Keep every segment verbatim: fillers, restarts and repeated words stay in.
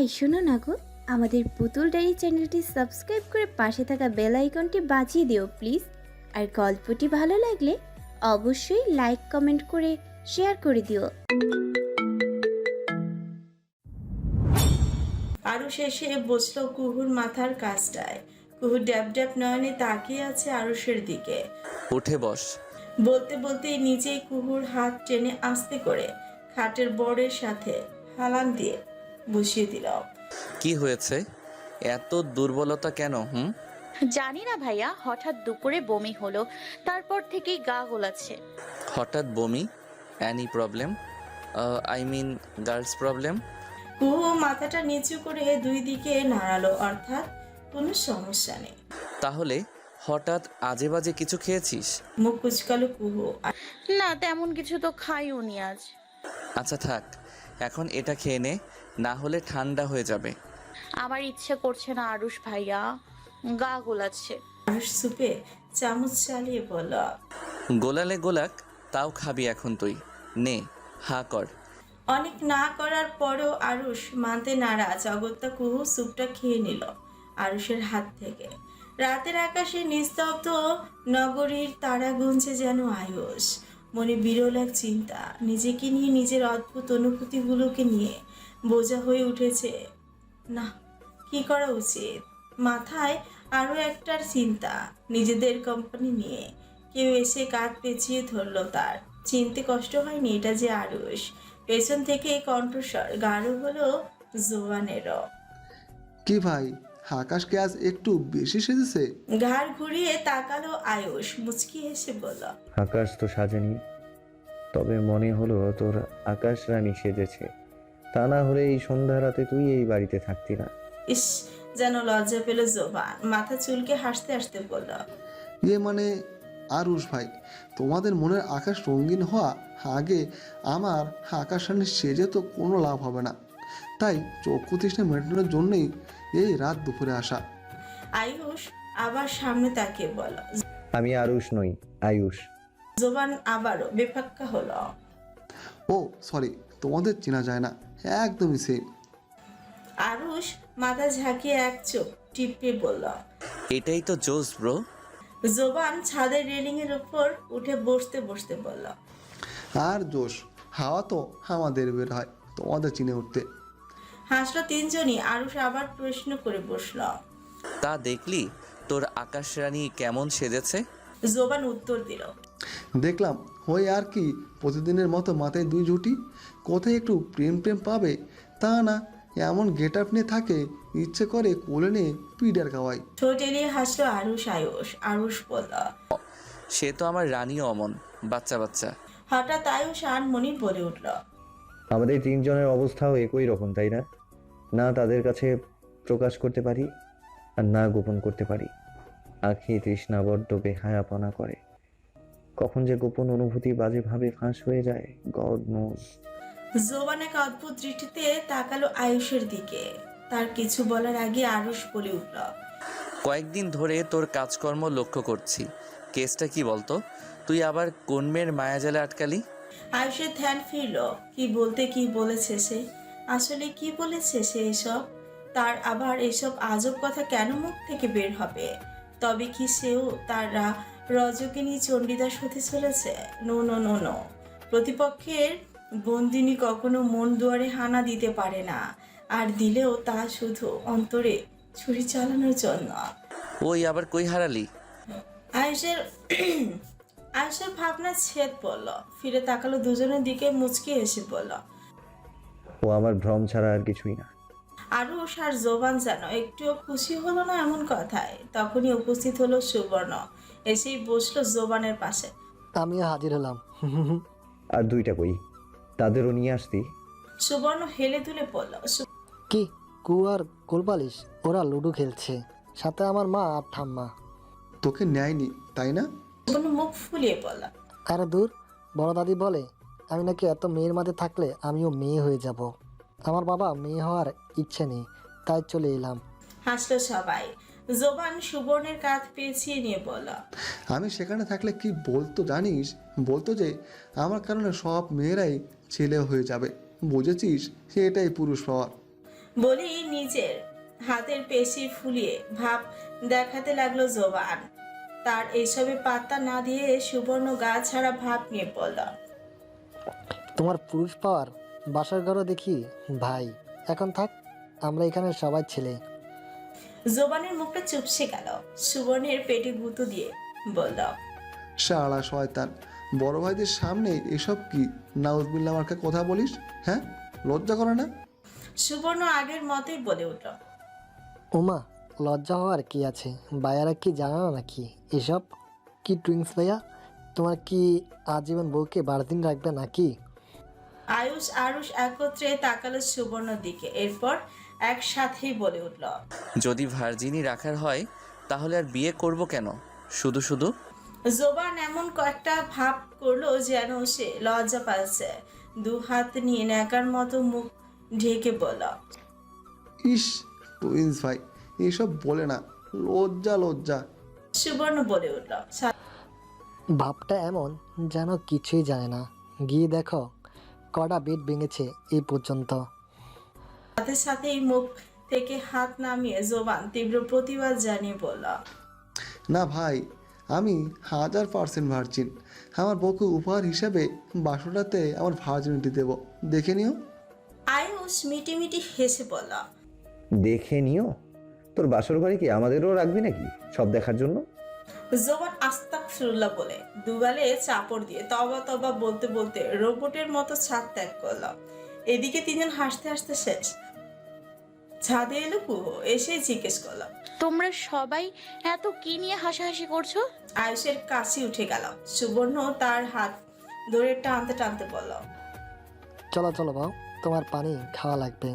এই শোনো না গো, আমাদের পুতুল ডায়েরি চ্যানেলটি সাবস্ক্রাইব করে পাশে থাকা বেল আইকনটি বাজিয়ে দিও প্লিজ। আর গল্পটি ভালো লাগলে অবশ্যই লাইক কমেন্ট করে শেয়ার করে দিও। আরুষ এসে বসলো কুহুর মাথার কাছটায়। কুহু ড্যাব ড্যাব নয়নে তাকিয়ে আছে আরুষের দিকে। উঠে বস। বলতে বলতে নিজেই কুহুর হাত টেনে আস্তে করে খাটের বড়ের সাথে হালান দিয়ে বসিয়ে দিল। কি হয়েছে? এত দুর্বলতা কেন? হুম জানি না ভাইয়া, হঠাৎ দুপুরে বমি হলো, তারপর থেকেই গা গোলাচ্ছে। হঠাৎ বমি? Any problem? I mean girls problem? Kuhu মাথাটা নিচু করে দুই দিকে নাড়ালো, অর্থাৎ কোনো সমস্যা নেই। তাহলে হঠাৎ আজে বাজে কিছু খেয়েছিস? মুখ কুচকালো কুহু। না, তেমন কিছু তো খাইও নি আজ। আচ্ছা থাক, এখন এটা খেয়ে নে, না হলে ঠান্ডা হয়ে যাবে। আমার ইচ্ছে করছে না আরুষ ভাইয়া, গা গোলাচ্ছে। আরুষ সুপে চামচ চালিয়ে বলল, গোলালে গোলাক, তাও খাবি এখন তুই। নে, হা কর। অনেক না করার পরও আরুষ মানতে নারাজ। অগত্যা কুহু স্যুপটা খেয়ে নিল আরুষের হাত থেকে। রাতের আকাশে নিস্তব্ধ নগরীর তারা গুনছে যেন আয়ুষ। মনে বিরল এক চিন্তা, নিজেকে নিয়ে, নিজের অদ্ভুত অনুভূতিগুলোকে নিয়ে বোঝা হয়ে উঠেছে। না, কি করা উচিত? মাথায় আরও একটার চিন্তা, নিজেদের কোম্পানি নিয়ে। কেউ এসে কাঁধ পেঁচিয়ে ধরলো তার। চিনতে কষ্ট হয়নি এটা যে আরুষ। পেছন থেকে কণ্ঠস্বর গাঢ় হলো জোয়ানেরও। কি ভাই, আকাশকে আজ একটু বেশি সেজেছে? ঘাড় ঘুরিয়ে তাকালো আয়ুষ, মুচকি হেসে বলল, আকাশ তো সাজেনি, তবে মনে হলো তোর আকাশ রানী সেজেছে। তা না হলে এই সন্ধ্যা রাতে তুই এই বাড়িতে থাকতি না। ইস, যেন লজ্জা পেল জোবান। মাথা চুলকে হাসতে হাসতে বলল, ইয়ে মানে আরুষ ভাই, তোমাদের মনের আকাশ রঙিন হওয়া আগে আমার আকাশ রানী সেজে তো কোনো লাভ হবে না। তাই চক্ষু তৃষ্ণা মেটানোর জন্যই এই রাত দুপুরে আসা। আয়ুষ আবার সামনে তাকিয়ে বলল। আমি আরুষ নই, আয়ুষ। জোবান আবারও বেফাক্কা হলো। ও সরি, তোমাদের চেনা যায় না, একদমই সেম। আরুষ মাথা ঝাঁকিয়ে এক চোখ টিপে বলল। এটাই তো জোস ব্রো। জোবান ছাদের রেলিং এর উপর উঠে বসতে বসতে বলল, আর জোশ, হাওয়া তো আমাদের বের হয় তোমাদের চিনে উঠতে। হাসলো তিনজনই। আরুষ আবার প্রশ্ন করে বসল। তা দেখলি তোর আকাশ রানী কেমন সেজেছে? জোবান উত্তর দিল, দেখলাম, হই আর কি, প্রতিদিনের মতো মাথায় দুই জুটি। কোথায় একটু প্রেম প্রেম পাবে, তা না, এমন গেট আপ নিয়ে থাকে, ইচ্ছে করে কোলে নিয়ে পিডার খাওয়াই। ঠোঁট এলিয়ে হাসলো আরুষ। আয়ুষ আরুষ বলল, সে তো আমার রানীও অমন বাচ্চা বাচ্চা। হঠাৎ আয়ুষ আনমনি বলে উঠল, আমাদের তিনজনের অবস্থাও একই রকম, তাই না? না তাদের কাছে প্রকাশ করতে পারি, আর না গোপন করতে পারি। আখি তৃষ্ণা বড্ড বেহায়াপনা করে, কখন যে গোপন অনুভূতি বাজেভাবে ফাঁস হয়ে যায়, গড নোজ। জোবান এক অদ্ভুত দৃষ্টিতে তাকালো আয়ুষের দিকে। তার কিছু বলার আগে আরুষ বলে উঠল, কয়েকদিন ধরে তোর কাজকর্ম লক্ষ্য করছি। কেসটা কি বলতো? তুই আবার কোন মেয়ের মায়াজালে আটকালি? আয়ুষের ধ্যান ফিরল। কি বলতে কি বলেছে সে? আসলে কি বলেছে সে এসব? তার আবার এসব আজব কথা কেন মুখ থেকে বের হবে? তবে কি সেও তার রা- রজকিনী চণ্ডীদাস হতে চলেছে? No no no no. প্রতিপক্ষের বন্দিনী কখনো মন দুয়ারে হানা দিতে পারে না, আর দিলেও তা শুধু অন্তরে ছুরি চালানোর জন্য। ওই আবার কই হারালি? আয়ুষের আয়ুষের ভাবনা ছেদ পড়ল। ফিরে তাকালো দুজনের দিকে, মুচকি এসে বলল, ও আমার ভ্রম ছাড়া আর কিছুই না। আরুষ আর জোবান যেন একটুও খুশি হলো না এমন কথায়। তখনই উপস্থিত হলো সুবর্ণ। এসেই বসলো জোবানের পাশে। আমিও হাজির হলাম। আর দুইটা কই, তাদেরও নিয়ে আসতি। সুবর্ণ হেলে দুলে পড়ল, কি কু আর কোলপালিশ, ওরা লুডো খেলছে, সাথে আমার মা আর ঠাম্মা। তোকে নেয়নি তাই না? সুবর্ণ মুখ ফুলিয়ে পড়ল, আরে দূর, বড় দাদি বলে আমি নাকি এত মেয়ের মাঝে থাকলে আমিও মেয়ে হয়ে যাব। আমার বাবা মেয়ে হওয়ার ইচ্ছে নেই, তাই চলে এলাম। হাসলো সবাই। জোবান সুবর্ণের কাঁধ পেঁচিয়ে নিয়ে বলল, আমি সেখানে থাকলে কি বলতো জানিস? বলতো যে আমার কারণে সব মেয়েরাই ছেলে হয়ে যাবে, বুঝেছিস? এটাই পুরুষ পাওয়ার। বলেই নিজের হাতের পেশি ফুলিয়ে ভাব দেখাতে লাগলো জোবান। তার এসবে পাত্তা না দিয়ে সুবর্ণ গা ছাড়া ভাব নিয়ে পড়ল। তোমার পুরুষ পাওয়ার বাসার ঘরও দেখি ভাই। এখন থাক, আমরা এখানে সবাই ছেলে। জোবানের মুখটা চুপসে গেল। সুবর্ণের পেটে গুঁতো দিয়ে বলল, শালা শয়তান, বড় ভাইদের সামনে এসব কি নাউজবিল্লা মার্কা কথা বলিস? হ্যাঁ, লজ্জা করে না? সুবর্ণ আগের মতোই বলে উঠল, ওমা, লজ্জা হওয়ার কি আছে? ভাইয়ারা কি জানা না নাকি এসব? কি টুইংস ভাইয়া, তোমার কি আজীবন বউকে বারো দিন রাখবে নাকি? আয়ুষ আরুষ একত্রে তাকালো সুবর্ণর দিকে, এরপর একসাথেই বলে উঠল, যদি ভার্জিনই রাখার হয় তাহলে আর বিয়ে করব কেন শুধু শুধু? জোবান এমন কয়েকটা ভাব করলো যেন সে লজ্জা পাচ্ছে। দু হাত নিয়ে ন্যাকার মতো মুখ ঢেকে বলল, ইস, টুইন্স ভাই এসব বলে না, লজ্জা লজ্জা। সুবর্ণ বলে উঠল, ভাবটা এমন যেন কিছুই জানে না। গিয়ে দেখো কটা বেড ভেঙেছে এই পর্যন্ত। সাথে সাথেই মুখ থেকে হাত নামিয়ে জোবান তীব্র প্রতিবাদ জানিয়ে বলল, না ভাই, আমি হাজার পার্সেন্ট ভার্জিন। আমার বউকে উপহার হিসাবে বাসটাতে আমার ভার্জিনিটি দেব, দেখে নিও। আয়ুষ মিটিমিটি হেসে বলল, দেখে নিও? তোর বাসর ঘরে কি আমাদেরও রাখবি নাকি সব দেখার জন্য? জোবান আস্তাগফিরুল্লাহ বলে দুগালে চাপড় দিয়ে তবা তবা বলতে বলতে রোবটের মতো ছাদ ত্যাগ করল। এদিকে তিনজন হাসতে হাসতে শেষ। ছাদে এলো কুহু, এসে জিজ্ঞেস করলো, তোমরা সবাই এত কি নিয়ে হাসাহাসি করছো? আয়ুষের কাশি উঠে গেল। সুবর্ণ তার হাত ধরে টানতে টানতে বলল, চলো চলো বাবু, তোমার পানি খাওয়া লাগবে।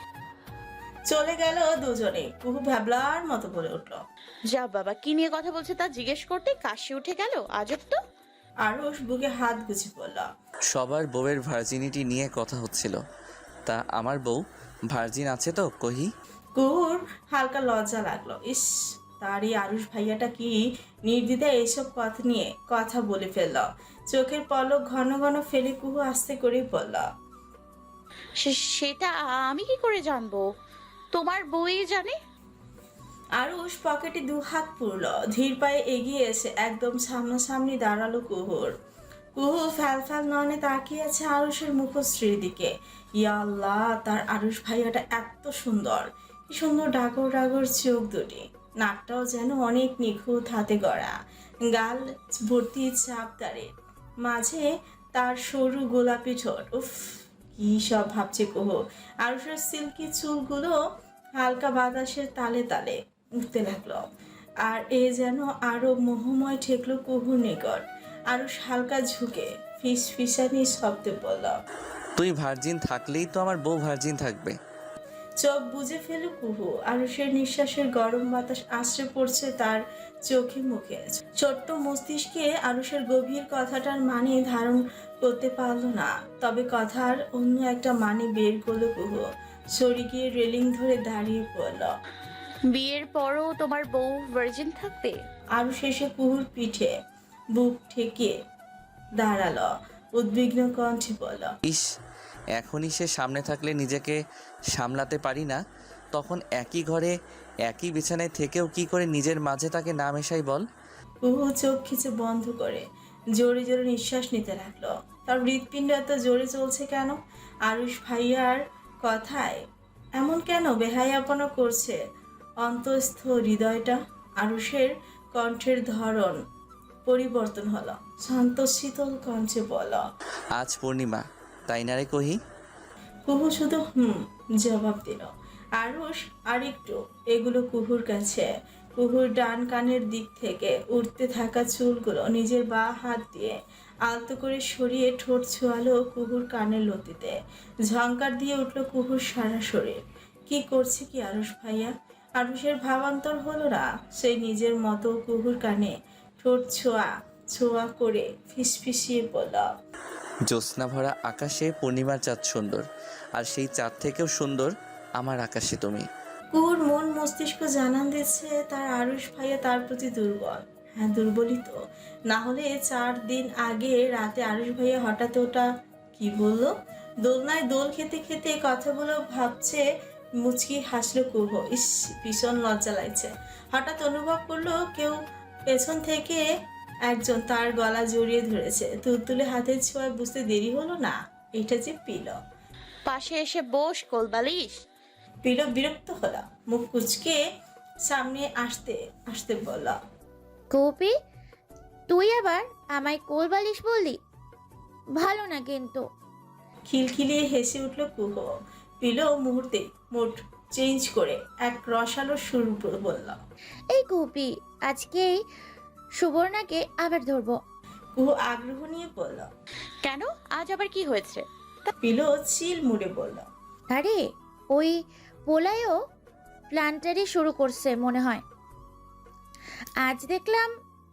চলে গেল দুজনে। কুহু ভ্যাবলার মতো বলে উঠল, যা বাবা, কি নিয়ে কথা বলছে তা জিজ্ঞেস করতে কাশি উঠে গেল, আজব তো। আরুষ বুকে হাত গুছি বলল, সবার বউয়ের ভার্জিনিটি নিয়ে কথা হচ্ছিল, তা আমার বউ ভার্জিন আছে তো কহি? কুহুর হালকা লজ্জা লাগলো। ইস, তার এই আরুষ ভাইয়াটা কি নির্দ্বিধায় এইসব কথা নিয়ে কথা বলে ফেলল। চোখের পলক ঘন ঘন ফেলে কুহু আস্তে করেই বলল, সে- সেটা আমি কি করে জানবো? তোমার বউই জানে। আরুষ পকেটে দু হাত পুরল, ধীর পায়ে এগিয়ে এসে একদম সামনাসামনি দাঁড়ালো কুহুর। কুহু ফ্যাল ফ্যাল নয়নে তাকিয়ে আছে আরুষের মুখশ্রীর দিকে। ইয়া আল্লাহ, তার আরুষ ভাইয়াটা এত সুন্দর, কি সুন্দর ডাগর ডাগর চোখ দুটি, নাকটাও যেন অনেক নিখুঁত হাতে গড়া, গাল ভর্তি চাপ দাঁড়ে, মাঝে তার সরু গোলাপি ঠোঁট। উফ, কি সব ভাবছে কুহু। আরুষের সিল্কি চুলগুলো হালকা বাতাসের তালে তালে উঠতে লাগলো, আর এ যেন আরো মোহময় ঠেকলো কুহুর নিকট। আরো হালকা ঝুঁকে ফিস ফিসানি শব্দে বলল, তুই ভার্জিন থাকলেই তো আমার বউ ভার্জিন থাকবে। চোখ বুজে ফেল কুহু। আরুষের নিঃশ্বাসের গরম বাতাস আশ্রে পড়ছে তার চোখে মুখে। ছোট্ট মস্তিষ্কে আরুষের গভীর কথাটার মানে ধারণ করতে পারল না, তবে কথার অন্য একটা মানে বের করলো কুহু। সরে গিয়ে রেলিং ধরে দাঁড়িয়ে পড়ল। বিয়ের পরও তোমার বউ ভার্জিন থাকবে? আরুষ এসে কুহুর পিঠে বুক ঠেকিয়ে দাঁড়ালো, উদ্বিগ্ন কণ্ঠে বলল, ইস, এখনই সে সামনে থাকলে নিজেকে সামলাতে পারি না, তখন একই ঘরে একই বিছানায় থেকেও কি করে নিজের মাঝে তাকে না মেশাই বল? কুহু চোখ খিচে বন্ধ করে জোরে জোরে নিঃশ্বাস নিতে লাগলো। তার হৃৎপিণ্ড এত জোরে চলছে কেন? আরুষ ভাইয়ার কথায় এমন কেন বেহায়াপনা করছে অন্তঃস্থ হৃদয়টা? আরুষের কণ্ঠের ধরন পরিবর্তন হলো, শান্ত শীতল কণ্ঠে বল, আজ পূর্ণিমা, তাই না রে কহি? কুহু শুধু হুম জবাব দিল। আরুষ আরেকটু এগুলো কুহুর কাছে। কুহুর ডান কানের দিক থেকে উঠতে থাকা চুলগুলো নিজের বাঁ হাত দিয়ে আলতো করে সরিয়ে ঠোঁট ছোঁয়ালো কুহুর কানের লতিতে। ঝংকার দিয়ে উঠল কুহুর সারা শরীর। কি করছে কি আরুষ ভাইয়া? আরুষের ভাবান্তর হলো না। সে নিজের মতো কুহুর কানে ঠোঁট ছোঁয়া ছোঁয়া করে ফিসফিসিয়ে বলল, জ্যোৎস্না ভরা আকাশে পূর্ণিমার চাঁদ সুন্দর, আর সেই চাঁদ থেকেও সুন্দর আমার আকাশে তুমি। কুহুর মন মস্তিষ্ক জানান দিচ্ছে তার আরুষ ভাইয়া তার প্রতি দুর্বল। হ্যাঁ, দুর্বলই তো, না হলে চার দিন আগে রাতে আরুষ ভাইয়া হঠাৎ ওটা কি বললো, দোলনায় দোল খেতে খেতে কথাগুলো ভাবছে মুচকি হাসলো কুহু। ইস, ভীষণ লজ্জা লাগছে। হঠাৎ অনুভব করলো কেউ পেছন থেকে একজন তার গলা জড়িয়ে ধরেছে। তুলতুলে হাতের ছোঁয়ায় বুঝতে দেরি হলো না, এটা যে পিলো। পাশে এসে বস কোলবালিশ। পিলো বিরক্ত হলো, মুখ কুচকে সামনে আসতে আসতে বলল, কপি, তুই আবার আমায় কোলবালিশ বললি? ভালো না কিন্তু। খিলখিলিয়ে হেসে উঠল কুহু। পিলো মুহূর্তে মুড চেঞ্জ করে এক রসালো সুর বলল, এই কপি, আজকেই সুবর্ণাকে আবার ধরবো। কুহু আগ্রহ নিয়ে বলল। কেন, আজ আবার কি হয়েছে? পিলো চিল মুড়ে বলল, আরে ওই পোলায়ও প্ল্যান্টারি শুরু করছে মনে হয়। আজ দেখলাম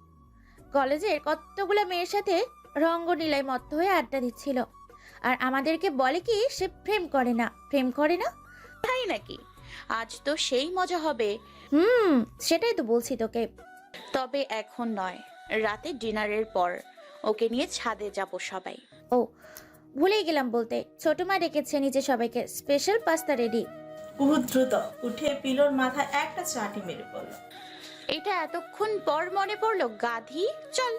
কলেজের কতগুলো মেয়ের সাথে রঙ্গনীলায় মত্ত হয়ে আড্ডা দিচ্ছিল, আর আমাদেরকে বলে কি সে প্রেম করে না, প্রেম করে না। তাই নাকি? আজ তো সেই মজা হবে। হুম, সেটাই তো বলছি তোকে। তবে এখন নয়, রাতে ডিনারের পর ওকে নিয়ে ছাদে যাব সবাই। ও ভুলেই গেলাম বলতে, ছোট মা ডেকেছে নিচে সবাইকে, স্পেশাল পাস্তা রেডি। কুহু দ্রুত উঠে পিলোর মাথায় একটা চাটি মেরে পড়ল। এটা এতক্ষণ পর মনে পড়লো, গাধি। চল।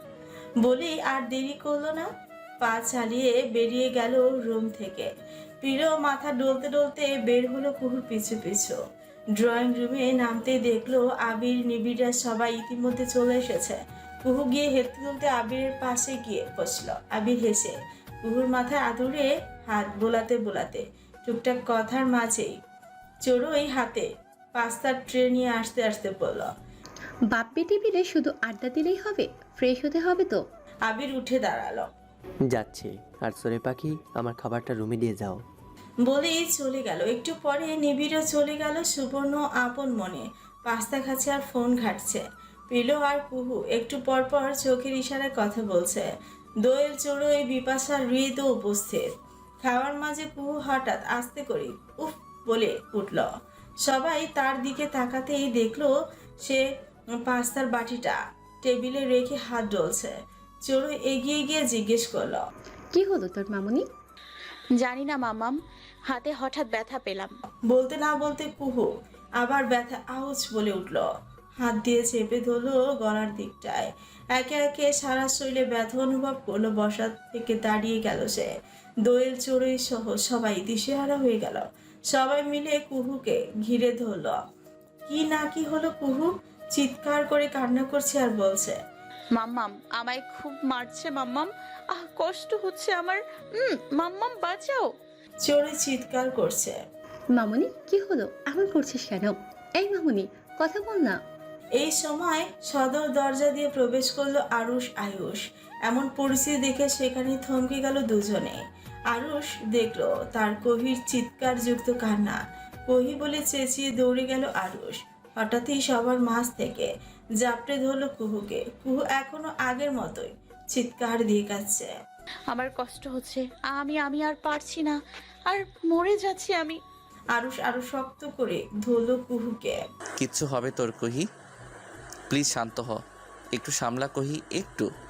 বলেই আর দেরি করলো না, পা চালিয়ে বেরিয়ে গেল রুম থেকে। পিলো মাথা ডলতে ডলতে বের হলো কুহুর পিছু পিছু। ড্রয়িং রুমে নামতেই দেখলো আবির নিবিড়রা সবাই ইতিমধ্যে চলে এসেছে। কুহু গিয়ে হেঁটে তুলতে আবিরের পাশে গিয়ে বসলো। আবির হেসে কুহুর মাথায় আদুরে হাত বোলাতে বোলাতে টুকটাক কথার মাঝেই চড়োই হাতে পাস্তার ট্রে নিয়ে আসতে আসতে বলল, বাপ বেটি মিলে শুধু আড্ডা দিলেই হবে? ফ্রেশ হতে হবে তো। আবির উঠে দাঁড়ালো। যাচ্ছে। আর সোরে পাখি, আমার খাবারটা রুমে দিয়ে যাও। বলেই চলে গেল। একটু পরে নিবিড়ও চলে গেল। সুবর্ণ আপন মনে পাস্তা খাচ্ছে আর ফোন ঘাটছে। পিলো আর কুহু একটু পর পর চোখের ইশারায় কথা বলছে। দোয়েল চড়োই বিপাশা হৃদ উপস্থিত। খাওয়ার মাঝে কুহু হঠাৎ আস্তে করে উফ বলে উঠল। সবাই তার দিকে তাকাতেই দেখলো সে পাস্তার বাটিটা টেবিলে রেখে হাত ডলছে। চড়ো এগিয়ে গিয়ে জিজ্ঞেস করলো, কি হলো তোর মামুনি? জানি না মামাম, হাতে হঠাৎ ব্যথা পেলাম। বলতে না বলতে কুহু আবার ব্যথা আউচ বলে উঠল। হাত দিয়ে চেপে ধরলো গলার দিকটায়। একে একে সারা শরীরে ব্যথা অনুভব করলো। বসা থেকে দাঁড়িয়ে গেল সে। দোয়েল চড়ুই সহ সবাই দিশেহারা হয়ে গেল। সবাই মিলে কুহুকে ঘিরে ধরল। কি না কি হলো, কুহু চিৎকার করে কান্না করছে আর বলছে, মাম্মাম আমায় খুব মারছে মাম্মাম, আহ কষ্ট হচ্ছে আমার। হুম মাম্মাম বাঁচাও। চড়ুই চিৎকার করছে। মামুনি কি হলো, এমন করছিস কেন? এই মামুনি কথা বল না। এই সময় সদর দরজা দিয়ে প্রবেশ করলো আরুষ আয়ুষ। এমন পরিস্থিতি দেখে সেখানে থমকে গেল দুজনে। আরুষ দেখলো তার কহির চিৎকার যুক্ত কান্না। কহি বলে চেঁচিয়ে দৌড়ে গেল আরুষ। হঠাৎই সবার মাঝ থেকে জাপটে ধরলো কুহুকে। কুহু এখনো আগের মতোই চিৎকার দিয়ে কাচ্ছে। আমার কষ্ট হচ্ছে, আমি আমি আর পারছি না, আর মরে যাচ্ছি আমি। আরুষ আরো শক্ত করে ধরলো কুহুকে। কিচ্ছু হবে তোর, কহি। প্লিজ শান্ত হ, একটু সামলা কহি, একটু।